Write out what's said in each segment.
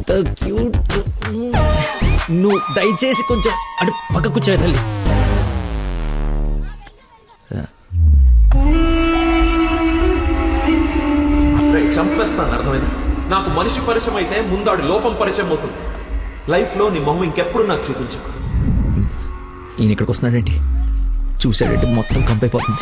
ఎంత క్యూట్. నువ్వు దయచేసి కొంచెం అటు పక్క కూర్చోవే తల్లి. చంపేస్తాను, అర్థమైంది? నాకు మనిషి పరిచయం అయితే ముందాడు లోపం పరిచయం అవుతుంది. లైఫ్ లో నీ మొహం ఇంకెప్పుడు నాకు చూపించు. ఈయన ఇక్కడికి వస్తున్నాడేంటి? చూసాడంటే మొత్తం కంపైపోతుంది.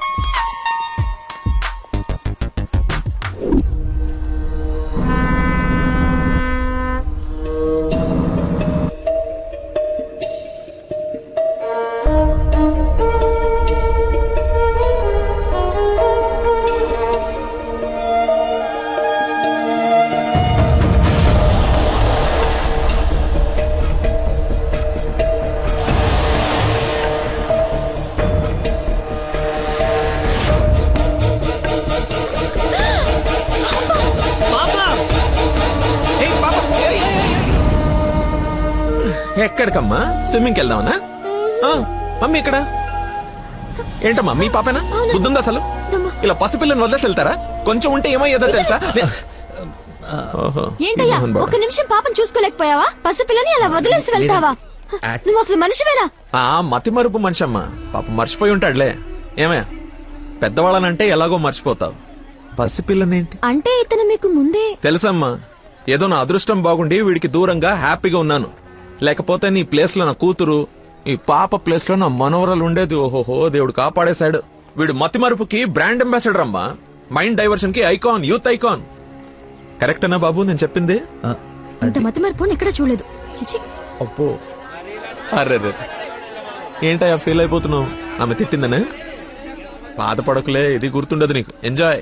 ఎక్కడికమ్మా? స్విమ్మింగ్కి వెళ్దామనా? మమ్మీ ఇక్కడ ఏంటమ్మా? మీ పాపేనా? బుద్ధుందా అసలు? ఇలా పసిపిల్లని వదిలేసి వెళ్తారా? కొంచెం ఉంటే ఏమయ్యేదో తెలుసా? ఏంటయ్యా ఒక నిమిషం పాపం చూసుకోలేకపోయావా? పసిపిల్లని అలా వదిలేసి వెళ్తావా? నువ్వు అసలు మనిషివేనా? మతి మరుపు మనిషి అమ్మా. పాప మర్చిపోయి ఉంటాడులే. ఏమయ్యా, పెద్దవాళ్ళనంటే ఎలాగో మర్చిపోతావు. పసిపిల్లనేంటి అంటే ఇతను మీకు ముందే తెలుసమ్మా. ఏదో నా అదృష్టం బాగుండి వీడికి దూరంగా హ్యాపీగా ఉన్నాను. లేకపోతే నీ ప్లేస్ లో నా కూతురు, ఈ పాప ప్లేస్ లో నా మనవరాలు ఉండేది. ఓహోహో, దేవుడు కాపాడేశాడు. వీడు మతి మరుపుకి బ్రాండ్ అంబాసిడర్ అమ్మా. మైండ్ డైవర్షన్ కి ఐకాన్, యూత్ ఐకాన్. కరెక్టేనా బాబు నేను చెప్పింది? ఇంత మతి మార్పు ఎక్కడ చూడలేదు. చిచి. అప్పో, అర్రే ఏంటయ్యా ఫీల్ అయిపోతున్నావు? ఆమె తిట్టిందనే? బాధపడకులే, ఇది గుర్తుండదు నీకు. ఎంజాయ్.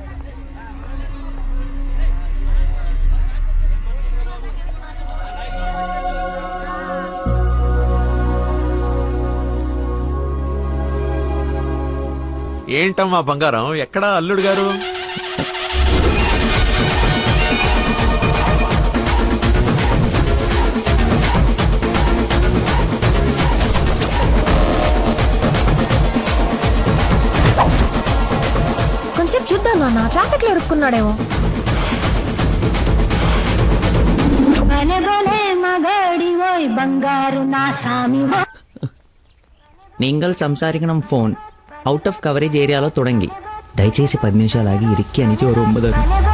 ఏంటమ్మా బంగారం, ఎక్కడా అల్లుడు గారు? కొంచెం చూద్దాం నాన్న, ట్రాఫిక్ లో ఇరుక్కున్నాడేమో. നിങ്ങൾ സംസാരിക്കണം ഫോൺ ഔട്ട് ഓഫ് കവറേജ് ഏരിയలో തുടങ്ങി. దయచేసి 10 నిమిషాలు ఆగి ఇరిక్కి అని చోరు ఒంబదారు.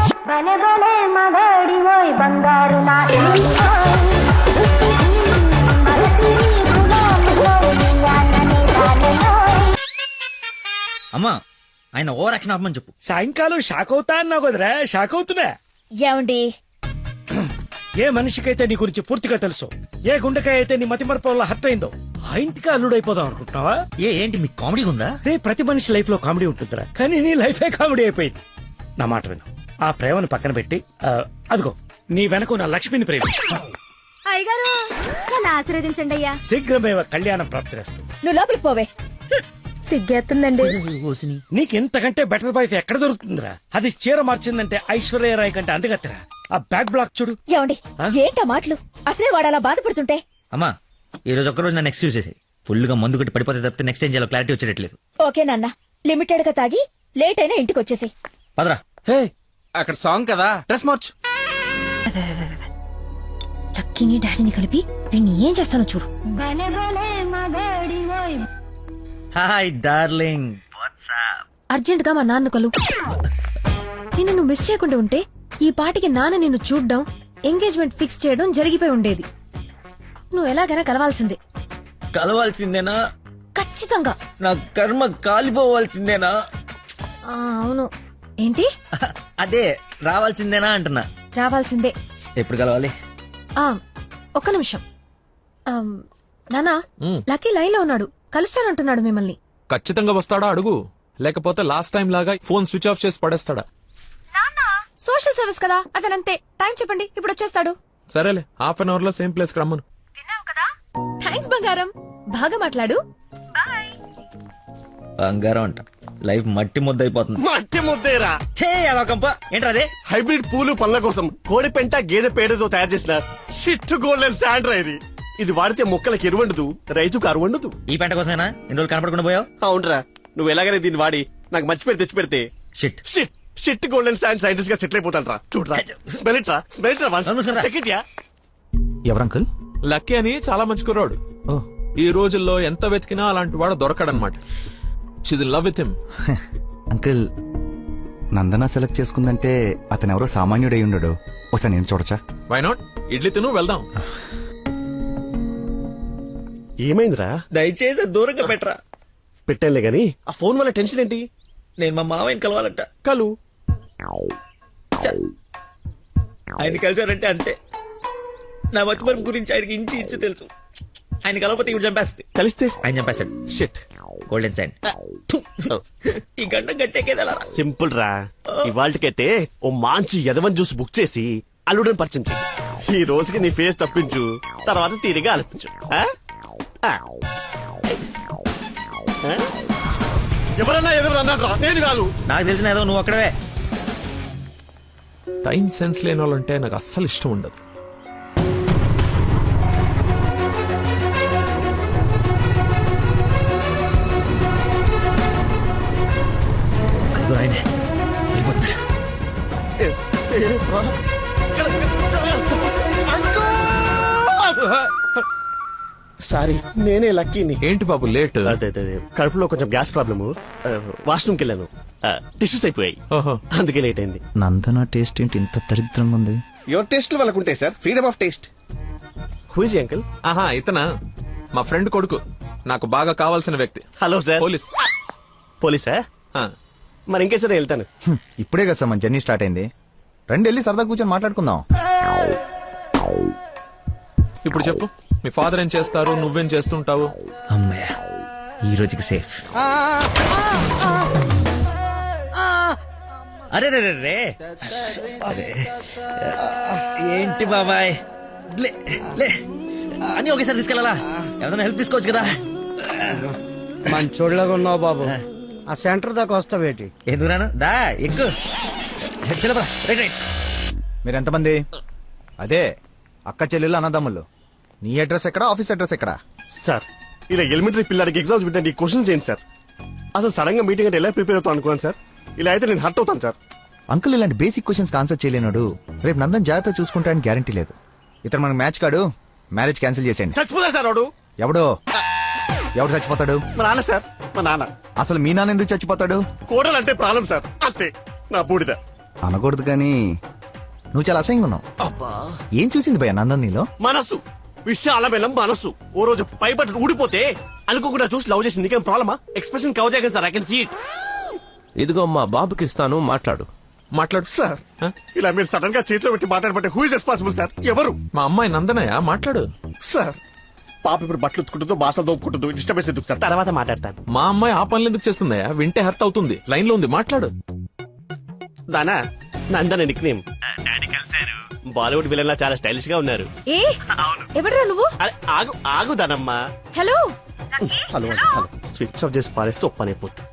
అమ్మా, ఆయన ఓవర్ యాక్షన్ ఆపమని చెప్పు. సాయంకాలం షాక్ అవుతా అన్నావు కదరా, షాక్ అవుతున్నా. ఏమండి, ఏ మనిషికైతే నీ గురించి పూర్తిగా తెలుసు, ఏ గుండెకాయ అయితే నీ మతి మరపు వల్ల హర్ట్ అయిందో, ఆ ఇంటికి అల్లుడైపోదాం అనుకుంటున్నావా? ఏంటి మీకు కామెడీ ఉందా? రే, ప్రతి మనిషి లైఫ్ లో కామెడీ ఉంటుందిరా, కానీ నీ లైఫే కామెడీ అయిపోయింది. నా మాట విను, ఆ ప్రేమను పక్కన పెట్టి అదిగో నీ వెనక నా లక్ష్మిని ప్రేమ. అయ్యగారు ఆశీర్వదించండి అయ్యా. శీఘ్రమేవ కళ్యాణం ప్రాప్తిరేస్తు. నువ్వు లోపలికి పోవే. సిగ్గేస్తుందండి. నీకెంతకంటే బెటర్ వైఫ్ ఎక్కడ దొరుకుతుందిరా? అది చీర మార్చిందంటే ఐశ్వర్యరాయ్ కంటే అందుగత్తరా. ఆ బ్యాక్ బ్లాక్ చూడు. ఏమండి, ఏంటా మాటలు? అసలే వాడు అలా బాధపడుతుంటే. అమ్మా, ఈ రోజు ఒక్కరోజు నన్ను ఎక్స్క్యూజ్ చేసేది. ఫుల్ గా మందు కొట్టి పడిపోతే తప్పితే నెక్స్ట్ ఏం చేయాలో క్లారిటీ వచ్చేటట్లేదు. ఓకే నాన్న, లిమిటెడ్ గా తాగి లేట్ అయినా ఇంటికి వచ్చేసాయి. పదరా. హే, అక్కడ సాంగ్ కదా, డ్రెస్ మార్చు. లక్కీని డాడీని కలిపి వీడిని ఏం చేస్తానో చూడు. Hi darling. అర్జెంట్ గా మా నాన్న కలు. నిన్ను నువ్వు మిస్ చేయకుండా ఉంటే ఈ పాటికి నాన్న నిన్ను చూడ్డం, ఎంగేజ్మెంట్ ఫిక్స్ చేయడం జరిగిపోయి ఉండేది. నువ్వు ఎలాగైనా కలవాల్సిందే. కలవాల్సిందేనా? ఖచ్చితంగా. నా కర్మ కాలిపోవాల్సిందేనా? అవును. ఏంటి? అదే రావాల్సిందేనా అంటున్నా. రావాల్సిందే. ఎప్పుడు కలవాలి? ఒక్క నిమిషం. నానా, లక్కీ లైన్ లో ఉన్నాడు, కలుస్తానంటున్నాడు మిమ్మల్ని. ఖచ్చితంగా వస్తాడా అడుగు, లేకపోతే లాస్ట్ టైం లాగా ఫోన్ స్విచ్ ఆఫ్ చేసి పడేస్తాడా? సోషల్ సర్వీస్ కదా, అతనంతే. టైం చెప్పండి, ఇప్పుడు వచ్చేస్తాడు. సరేలే, హాఫ్ అన్ అవర్ లో సేమ్ ప్లేస్ కి రమ్మను. థ్యాంక్స్ బంగారం, బాగా మాట్లాడు. బంగారం అంట, లైఫ్ మట్టి ముద్ద అయిపోతుంది. మట్టి ముద్దేరా ఏంట్రా అదే? హైబ్రిడ్ పూలు పళ్ళ కోసం కోడి పెంట గేదె పేడతో తయారు చేసిన షిట్ గోల్డెన్ శాండ్రా ఇది. ఇది వాడితే మొక్కలకు ఎరువండదు, రైతుకు అరువండదు. ఈ పెంట కోసమేనా ఇన్ని రోజులు కనపడకుండా పోయావు? అవునరా, నువ్వు ఎలాగైనా దీన్ని వాడి నాకు మంచి పేరు తెచ్చి పెడితే. Shit. Shit shit golden sand scientist గా సెటిల్ అయిపోతాను రా. చూడరా, స్మెల్ ఇట్ రా, స్మెల్ ఇట్ రా, నమస్కారం. చెక్ ఇట్ యా. ఎవరు అంకుల్? లక్కీ అని చాలా మంచి కుర్రాడు. ఓ ఈ రోజుల్లో ఎంత వెతికినా అలాంటి వాడు దొరకడనమాట. She's in love with him. Uncle, Nandana select చేసుకుందంటే అతను ఎవరో సామాన్యుడై ఉండడు. ఒకసారి నేను చూడచ్చా? Why not? ఇడ్లీ తిను, వెళ్దాం. ఏమైందిరా? దయచేసి దూరంగా పెట్టరా. పెట్టానులే గాని ఆ ఫోన్ వల్ల టెన్షన్ ఏంటి? నేను మా మావయ్యని కలవాలంట. కలు. ఆయన కలిసారంటే అంతే. నా మతిమరుపు గురించి ఆయనకి ఇంచు తెలుసు. ఆయన కలవకపోతే ఇవి చంపేస్తుంది. కలిస్తే ఆయన చంపేస్తాడు. షిట్. Golden sign. ఈ గంట గట్టేకేదలా. సింపుల్ రా. ఇవాళకైతే ఓ మంచి యదవన్ జ్యూస్ బుక్ చేసి అల్లుడని పరిచయం చెయ్యి. ఈ రోజుకి నీ ఫేస్ తప్పించు, తర్వాత తీరిగా ఆలోచించు. ఆ? ఆ. ఆ? ఎవరన్నా ఎదురు అన్నాడు రా, నేను కాదు. నాకు తెలిసిన ఏదో నువ్వు అక్కడవే. టైం సెన్స్ లేని వాళ్ళంటే నాకు అస్సలు ఇష్టం ఉండదు. అదిగో ఆయనే వెళ్ళిపోతున్నాడు. Yes. ఏ, రా. సారీ, నేనే లక్కీని. ఏంటి బాబు లేట్? అదే అదే కడుపులో కొంచెం గ్యాస్ ప్రాబ్లము. వాష్రూమ్కి వెళ్ళాను, టిష్యూస్ అయిపోయాయి, ఓహో. అందుకే లేట్ అయింది. నందన టేస్ట్ ఏంటి ఇంత దరిద్రంగా ఉంది? యువర్ టేస్ట్ వాళ్ళకు ఉంటాయి sir, freedom of taste. Whose uncle? ఆహా, ఇతనా మా ఫ్రెండ్ కొడుకు, నాకు బాగా కావాల్సిన వ్యక్తి. Hello sir. పోలీస్. పోలీసా? ఆ, మరి ఇంకేసారి వెళ్తాను. ఇప్పుడే కదా సార్ మన జర్నీ స్టార్ట్ అయింది. రండి వెళ్ళి సరదా కూర్చొని మాట్లాడుకుందాం. ఇప్పుడు చెప్పు, మీ ఫాదర్ ఏం చేస్తారు, నువ్వేం చేస్తుంటావు? అమ్మయ్య, ఈ రోజుకి సేఫ్. అరే రే రే రే. అరే, ఏంటి బాబాయ్, లే లే, అన్ని ఒకేసారి తీసుకెళ్ళాలా? ఏమైనా హెల్ప్ తీసుకోవచ్చు కదా. మంచోళ్ళగా ఉన్నావు బాబు. ఆ సెంటర్ దాకా వస్తావేటి? ఎందుకు రాను, దా ఎక్కు. చలో రైట్ రైట్. మీరు ఎంతమంది? అదే అక్క చెల్లెళ్ళు అన్నదమ్ముళ్ళు. నీ అడ్రస్ ఎక్కడ, ఆఫీస్ అడ్రస్ ఎక్కడ? సార్, ఇలా ఎలిమెంటరీ పిల్లలకి ఎగ్జామ్స్ పెట్టండి, ఈ క్వశ్చన్స్ ఏంటి సార్? అసలు సడన్ గా మీటింగ్ అంటే ఎలా ప్రిపేర్ అవుతాను అనుకున్నాను సార్. ఇలా అయితే నేను హర్ట్ అవుతాను సార్. అంకుల్ ఇలాంటి బేసిక్ క్వశ్చన్స్ ఆన్సర్ చేయలేనాడు. రేపు నందన్ జాగ్రత్త చూసుకుంటాడని గ్యారంటీ లేదు. ఇతను మనకు మ్యాచ్ కాడు, మ్యారేజ్ క్యాన్సిల్ చేసేయండి. చచ్చిపోతారు సార్ వాడు. ఎవడో? ఎవడు చచ్చిపోతాడు? మా నాన్న సార్, మా నాన్న. అసలు మీ నాన్న ఎందుకు చచ్చిపోతాడు? కోడలంటే ప్రాబ్లం సార్, అంతే. నా బూడిద. అనకూడదు కానీ నువ్వు చాలా అసహ్యంగా ఉన్నావు. అబ్బా, ఏం చూసింది భయ నందన్ నీలో? మనస్సు, విషయాల బెల్లం మనస్సు. ఓ రోజు పైపట్టు ఊడిపోతే అనుకోకుండా చూసి లవ్ చేసింది, కానీ ప్రాబ్లమా? ఎక్స్ప్రెషన్ కవర్ చేయగలను sir, I can see it. ఇదిగో మా బాబుకి ఇస్తాను, మాట్లాడు. మాట్లాడు సార్, ఇలా మీరు సడన్ గా చేతిలో పెట్టి మాట్లాడబట్టే హూ ఇస్ రెస్పాన్సిబుల్ సార్? ఎవరు? మా అమ్మాయి నందనయ్య, మాట్లాడు. సార్, పాప ఇప్పుడు బట్టలు ఉత్తుకుంటుందో, బాసలు దోపుకుంటుందో, డిస్టర్బెన్స్ ఎందుకు సార్? తర్వాత మాట్లాడతాను. మా అమ్మాయి ఆ పనులు ఎందుకు చేస్తుందయ్యా? వింటే హర్ట్ అవుతుంది. లైన్ లో ఉంది, మాట్లాడు. దానా Nandana nick name. Bollywood villain లా చాలా స్టైలిష్ గా ఉన్నారు. ఏ ఎవడరా నువ్వు? అరే ఆగు ఆగు దానమ్మా. Hello hello hello. Switch off చేసి పారేస్తే ఒప్పనైపోతుంది.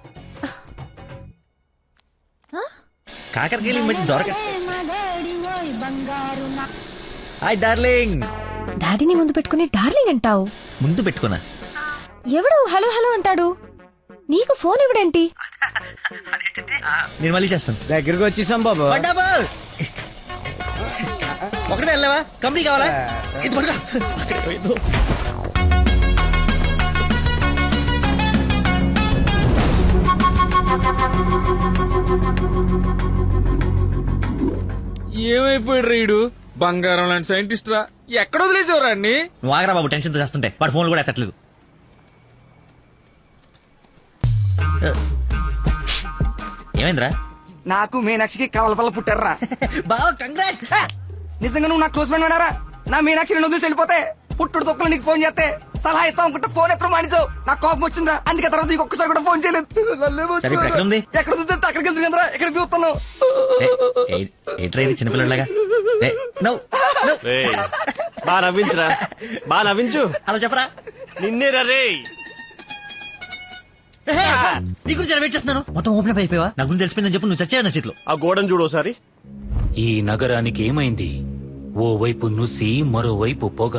కాకరకాయలు మంచి దొరక. Hi darling. డాడీని ముందు పెట్టుకుని డార్లింగ్ అంటావు? ముందు పెట్టుకున్నా. ఎవడు హలో హలో అంటాడు? నీకు ఫోన్ ఎవడేంటి? నేను మళ్ళీ చేస్తాను. దగ్గరికి వచ్చేసాం బాబు. ఒకటే వెళ్ళావా? కంపెనీ కావాలా? ఇది పడుకో. అక్కడే పోయిందో. ఏమైపోయాడు రీడు? బంగారం లాంటి సైంటిస్ట్ రా. ఎక్కడ వదిలేసేవారా అన్ని? నువ్వు ఆగరా బాబు, టెన్షన్ తో చేస్తుంటే. వాడు ఫోన్లు కూడా ఎత్తట్లేదు. ఏమైందిరా? నాకు మీనాక్షికి కవలపల్ల పుట్టారా? బావ కంగ్రాట్. నిజంగా నువ్వు నా క్లోజ్ ఫ్రెండ్ ఉన్నారా? నా మీనాక్షి నేను వదిలేసి వెళ్ళిపోతే పుట్టుడు తొక్కలు నీకు ఫోన్ చేస్తే సలహా ఇస్తాం అనుకుంటే ఫోన్ ఎత్తడం మానేసావు. నాకు కోపం వచ్చిందా, అందుకే తర్వాత నీకు ఒక్కసారి కూడా ఫోన్ చేయలేదు. సరే ఇప్పుడు ఎక్కడ ఉంది? ఎక్కడ చూస్తే అక్కడికి వెళ్తుందిరా. ఎక్కడ చూస్తున్నావు? ఏంట్రా ఇది చిన్నపిల్లలాగా? బా నవ్వించురా, బా నవ్వించు. అలా చెప్పరా. నిన్నేరా రే. నీ గురించి వెయిట్ చేస్తున్నాను. మొత్తం ఓపెన్ అప్ అయిపోయావా? నా గురించి తెలిసిపోయిందని చెప్పు. నువ్వు చచ్చావు నా చేతిలో. ఆ గోడను చూడు ఒకసారి. ఈ నగరానికి ఏమైంది? ఓవైపు నుసి, మరోవైపు పొగ.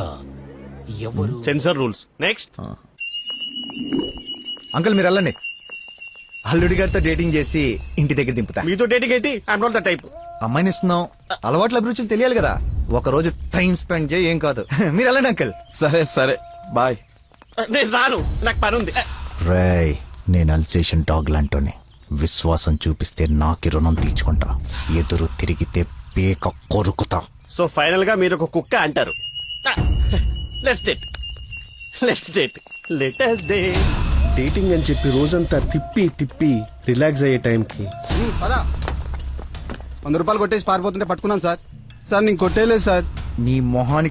ఎవరు? Sensor rules. నెక్స్ట్. అంకుల్ మీరు వెళ్ళండి. అల్లుడి గారితో డేటింగ్ చేసి ఇంటి దగ్గర దింపుతా. మీతో డేటింగ్ ఏంటి? I'm not the type. అమ్మాయిని ఇస్తున్నాం, అలవాట్ల అభిరుచులు తెలియాలి కదా. ఒక రోజు టైం స్పెండ్ చేయి, ఏం కాదు. మీరు వెళ్ళండి అంకల్. సరే సరే బాయ్. నేను రాను, నాకు పని ఉంది. రేయ్, నేను అల్సేషన్ డాగ్ లాంటోని. విశ్వాసం చూపిస్తే నాకి రుణం తీర్చుకుంటా, ఎదురు తిరిగితే పేక కొరుకుతా. సో ఫైనల్ గా మీరు ఒక కుక్క అంటారు. Let's date, let's date, let us date. Dating అని చెప్పి రోజంతా తిప్పి తిప్పి రిలాక్స్ అయ్యే టైంకి 100 రూపాయలు కొట్టేసి పారిపోతుంటే పట్టుకున్నాం సార్. సార్ నేను కొట్టేయలేదు సార్. నీ మొహానికి